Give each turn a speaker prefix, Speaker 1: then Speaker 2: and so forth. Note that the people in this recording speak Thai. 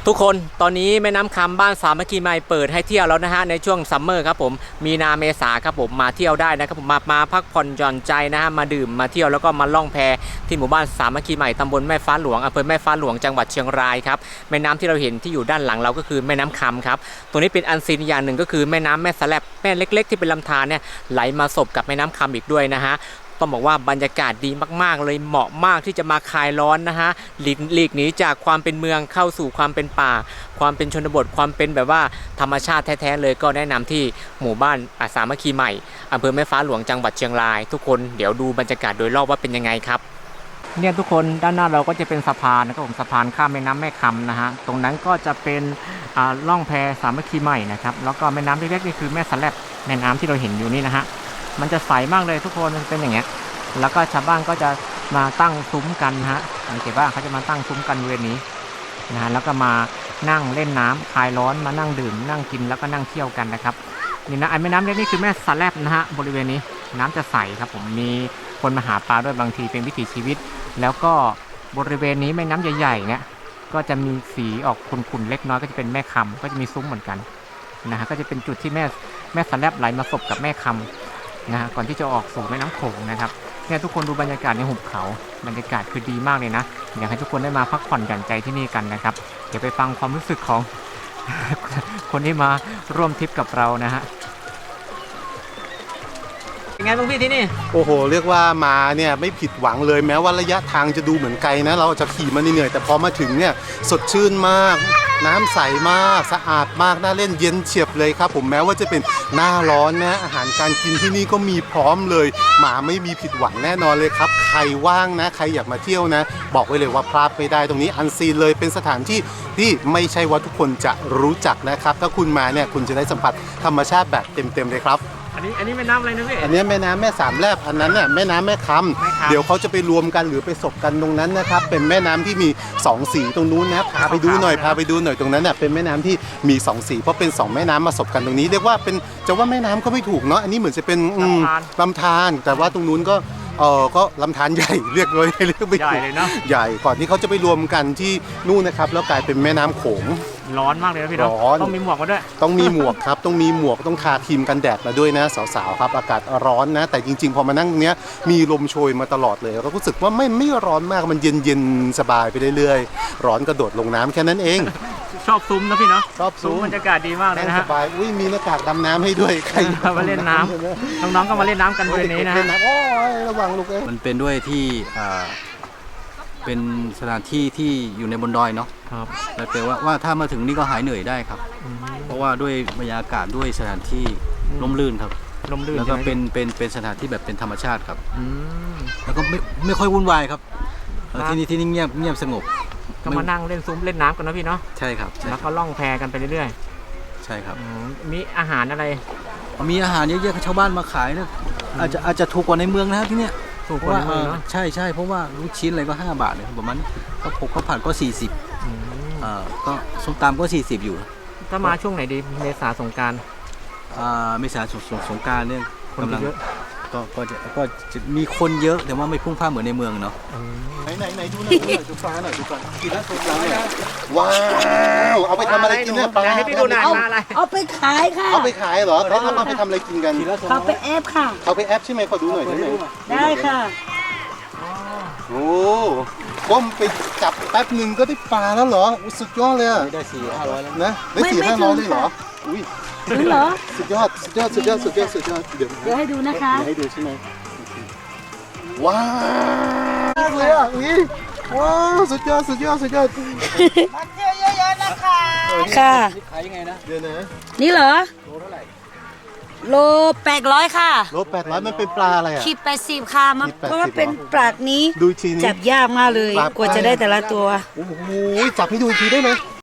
Speaker 1: ทุกคนตอนนี้แม่น้ำคำบ้านสามัคคีใหม่เปิดให้เที่ยวแล้วนะฮะในช่วงซัมเมอร์ครับผมมีนาเมษาครับผมมาเที่ยวได้นะครับผมมาพักผ่อนหย่อนใจนะฮะมาดื่มมาเที่ยวแล้วก็มาล่องแพที่หมู่บ้านสามัคคีใหม่ตำบลแม่ฟ้าหลวงอำเภอแม่ฟ้าหลวงจังหวัดเชียงรายครับแม่น้ำที่เราเห็นที่อยู่ด้านหลังเราก็คือแม่น้ำคำครับตัวนี้เป็นอันซีนอย่างหนึ่งก็คือแม่น้ำแม่สแลบแม่เล็กๆที่เป็นลำธารเนี่ยไหลมาสบกับแม่น้ำคำอีกด้วยนะฮะต้องบอกว่าบรรยากาศดีมากๆเลยเหมาะมากที่จะมาคลายร้อนนะฮะหลีกหนีจากความเป็นเมืองเข้าสู่ความเป็นป่าความเป็นชนบทความเป็นแบบว่าธรรมชาติแท้ๆเลยก็แนะนำที่หมู่บ้านสามัคคีใหม่อำเภอแม่ฟ้าหลวงจังหวัดเชียงรายทุกคนเดี๋ยวดูบรรยากาศโดยรอบว่าเป็นยังไงครับเนี่ยทุกคนด้านหน้าเราก็จะเป็นสะพานนะครับผมสะพานข้ามแม่น้ำแม่คำนะฮะตรงนั้นก็จะเป็นล่องแพสามัคคีใหม่นะครับแล้วก็แม่น้ำเล็กๆนี่คือแม่สแลบแม่น้ำที่เราเห็นอยู่นี่นะฮะมันจะใสมากเลยทุกคนมันเป็นอย่างเงี้ยแล้วก็ชาวบ้านก็จะมาตั้งซุ้มกันฮะสังเกตว่าเขาจะมาตั้งซุ้มกันบริเวณนี้นะฮะแล้วก็มานั่งเล่นน้ำคลายร้อนมานั่งดื่มนั่งกินแล้วก็นั่งเที่ยวกันนะครับนี่นะไอ้แม่น้ำเล็กนี่คือแม่สแลบนะฮะบริเวณนี้น้ำจะใสครับผมมีคนมาหาปลาด้วยบางทีเป็นวิถีชีวิตแล้วก็บริเวณนี้แม่น้ำใหญ่ๆเนี่ยก็จะมีสีออกขุ่นๆเล็กน้อยก็จะเป็นแม่คำก็จะมีซุ้มเหมือนกันนะฮะก็จะเป็นจุดที่แม่สแลบไหลมาสบกับแม่คำนะฮะก่อนที่จะออกสู่แม่น้ำโขงนะครับเนี่ยทุกคนดูบรรยากาศในหุบเขาบรรยากาศคือดีมากเลยนะอยากให้ทุกคนได้มาพักผ่อนหย่อนใจที่นี่กันนะครับเดี๋ยวไปฟังความรู้สึกของ คนที่มาร่วมทริปกับเรานะฮะเป็นไงบ้างพี่ที่นี่
Speaker 2: โอ้โหเรียกว่ามาเนี่ยไม่ผิดหวังเลยแม้ว่าระยะทางจะดูเหมือนไกลนะเราจะขี่มาเหนื่อยแต่พอมาถึงเนี่ยสดชื่นมากน้ำใสมากสะอาดมากน่าเล่นเย็นเฉียบเลยครับผมแม้ว่าจะเป็นหน้าร้อนนะอาหารการกินที่นี่ก็มีพร้อมเลยหมาไม่มีผิดหวังแน่นอนเลยครับใครว่างนะใครอยากมาเที่ยวนะบอกไว้เลยว่าพลาดไม่ได้ตรงนี้อันซีนเลยเป็นสถานที่ที่ไม่ใช่ว่าทุกคนจะรู้จักนะครับถ้าคุณมาเนี่ยคุณจะได้สัมผัสธรรมชาติแบบเต็มๆเลยครับ
Speaker 1: อันนี้แม่น้ำอะไรนะพี่
Speaker 2: อันนี้แม่น้ำแม่สามแลบอันนั้นเนี่ยแม่น้ำแม่คำเดี๋ยวเขาจะไปรวมกันหรือไปสบกันตรงนั้นนะครับเป็นแม่น้ำที่มี2สีตรงนู้นนะพาไปดูหน่อยตรงนั้นเนี่ยเป็นแม่น้ำที่มี2สีเพราะเป็น2แม่น้ำมาสบกันตรงนี้เรียกว่าเป็นจะว่าแม่น้ำก็ไม่ถูกเนาะอันนี้เหมือนจะเป็นลำธารแต่ว่าตรงนู้นก็ลำธารใหญ่เรียกไม่ถูกใหญ่เลยเนาะใหญ่ก่อนที่เขาจะไปรวมกันที่นู่นนะครับแล้วกลายเป็นแม่น้ำโขง
Speaker 1: ร้อนมากเลยนะพี่เนาะต้องมีหมวกมาด้วย
Speaker 2: ต้องมีหมวกครับต้องมีหมวกต้องทาครีมกันแดดมาด้วยนะสาวๆครับอากาศร้อนนะแต่จริงๆพอมานั่งเนี้ยมีลมโชยมาตลอดเลยเรารู้สึกว่าไม่ร้อนมากมันเย็นสบายไปเรื่อยๆร้อนกระโดดลงน้ำแค่นั้นเอง
Speaker 1: ชอบซุ้มนะพี่เนาะ
Speaker 2: ชอบซุ้ม
Speaker 1: บรรยากาศดีมากเลยนะฮะ
Speaker 2: สบายมีหน้ากากดำน้ำให้ด้วยใคร
Speaker 1: มาเล่นน้ำน้องๆก็มาเล่นน้ำกันบริเวณนี้นะฮะ
Speaker 2: โอ้ยระวังลูก
Speaker 3: มันเป็นด้วยที่เป็นสถานที่ที่อยู่ในบนดอยเนาะ
Speaker 1: ครับ
Speaker 3: แล้วแปลว่าถ้ามาถึงนี่ก็หายเหนื่อยได้ครับเพราะว่าด้วยบรรยากาศด้วยสถานที่ร่มรื่นครับ
Speaker 1: ร่มรื่น
Speaker 3: แล้วก็เป็นสถานที่แบบเป็นธรรมชาติครับแล้วก็ไม่ค่อยวุ่นวายครับที่นี่เงียบสงบ
Speaker 1: ก็มานั่งเล่นซุ้มเล่นน้ำกันนะพี่เนาะ
Speaker 3: ใช่ครับ
Speaker 1: แล้วก็ล่องแพกันไปเรื่อย
Speaker 3: ๆใช่ครับ
Speaker 1: มีอาหารอะไร
Speaker 3: มีอาหารเยอะๆชาวบ้านมาขายนะอาจจะถูกกว่าในเมืองนะครับที่เนี้ย
Speaker 1: ถูกกว่าในเมืองเนาะ
Speaker 3: ใช่เพราะว่าลูกชิ้นอะไรก็5 บาทเลยประมาณก็ข้าวผัดก็40ก็ส้มตำก็40อยู่
Speaker 1: ถ้ามาช่วงไหนดีเมษาสงกรานต์
Speaker 3: เมษาสงกรานต์เนี่ยกำลังก็จะมีคนเยอะแต่ว่าไม่พุ่งพล่านเหมือนในเมืองเนาะ
Speaker 2: ไหนดูหน่อยดูปลาหน่อยกินแล้วสดร้อนว้าวเอาไปทำอะไรกินเนี่ยปลา
Speaker 1: ให้พี่ดูหน่อยมาอะไร
Speaker 4: เอาไปขายค่ะ
Speaker 2: เอาไปขายเหรอเขาเอาไปทำอะไรกินกัน
Speaker 4: เขาไปแอปค่ะ
Speaker 2: เขาไปแอปใช่ไหมขอดูหน่อยได้ไหม
Speaker 4: ได้ค่ะ
Speaker 2: โอ้ก้มไปจับแป๊บหนึ่งก็ได้ปลาแล้วเหรอสุดยอดเลย
Speaker 3: ได้400-500แล้ว
Speaker 2: นะได้400-500เลยเหรออุ้ย
Speaker 4: ถึงเหรอ
Speaker 2: สุดยอดเดี๋ยว
Speaker 4: ให้ดูนะคะ
Speaker 2: ให้ดูใช่ไหมว้าวเลยอ่ะว้าวสุดยอด
Speaker 4: มาเที่ยวเยอะๆนะคะค่ะ
Speaker 3: ขายยังไงนะ
Speaker 2: เดี๋ยวนะ
Speaker 4: นี่เหรอ
Speaker 3: โลเท่าไหร่
Speaker 4: โล800ค่ะ
Speaker 2: โล800มันเป็นปลาอะไรอ่ะ
Speaker 4: ขีด80ค่ะเพราะว่าเป็นปลานี้
Speaker 2: ดูทีนี้
Speaker 4: จับยากมากเลยกว่าจะได้แต่ละตัว
Speaker 2: โอ้โหจับให้ดูอีกทีได้ไหม